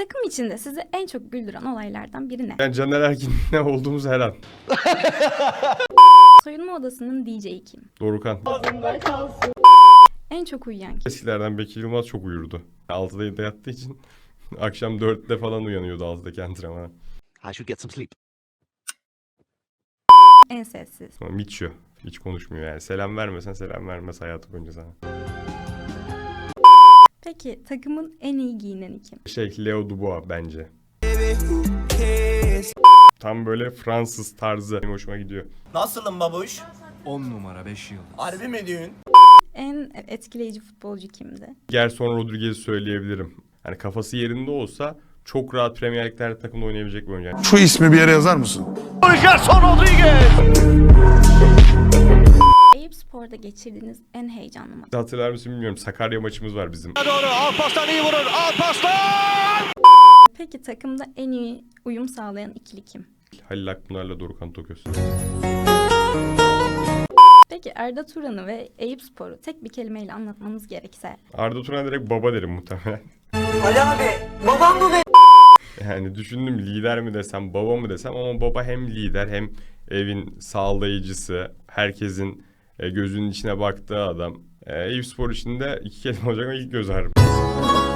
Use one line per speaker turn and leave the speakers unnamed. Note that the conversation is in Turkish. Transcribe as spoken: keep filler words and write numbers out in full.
Takım içinde sizi en çok güldüren olaylardan biri ne?
Yani Caner Erkin'le olduğumuz her an.
Soyunma odasının D J'yi kim?
Dorukhan.
En çok uyuyan kim?
Eskilerden Bekir Yılmaz çok uyurdu. altıda yedide yattığı için akşam dörtte falan uyanıyordu altıdaki antrenmana.
I should get some sleep.
En sessiz.
Ama Miço. Hiç konuşmuyor yani. Selam vermesen selam vermez hayatı boyunca sana.
Peki takımın en iyi giyineni kim?
Şey Leo Dubois bence. Tam böyle Fransız tarzı. Benim hoşuma gidiyor.
Nasılım babuş?
on numara beş yıldız.
Harbi mi diyorsun?
En etkileyici futbolcu kimdi?
Gerson Rodriguez'i söyleyebilirim. Hani kafası yerinde olsa çok rahat Premier Lig'lerde takımda oynayabilecek bir oyuncu. Yani
Şu ismi bir yere yazar mısın?
Gerson Rodriguez!
Eyüpspor'da geçirdiğiniz en heyecanlı maç.
hatırlar mısın bilmiyorum. Sakarya maçımız var bizim.
Doğru, Alparslan iyi vurur, Alparslan!
Peki takımda en iyi uyum sağlayan ikili kim?
Halil Akpınar'la Dorukhan Toköz.
Peki Arda Turan'ı ve Eyüpspor'u tek bir kelimeyle anlatmanız gerekse?
Arda Turan direkt baba derim muhtemelen.
Ali abi, babam mı be?
Yani düşündüm lider mi desem baba mı desem ama baba hem lider hem evin sağlayıcısı, herkesin e, gözünün içine baktığı adam. E, Eyüpspor için de iki kelime olacak ama ilk göz ağrım.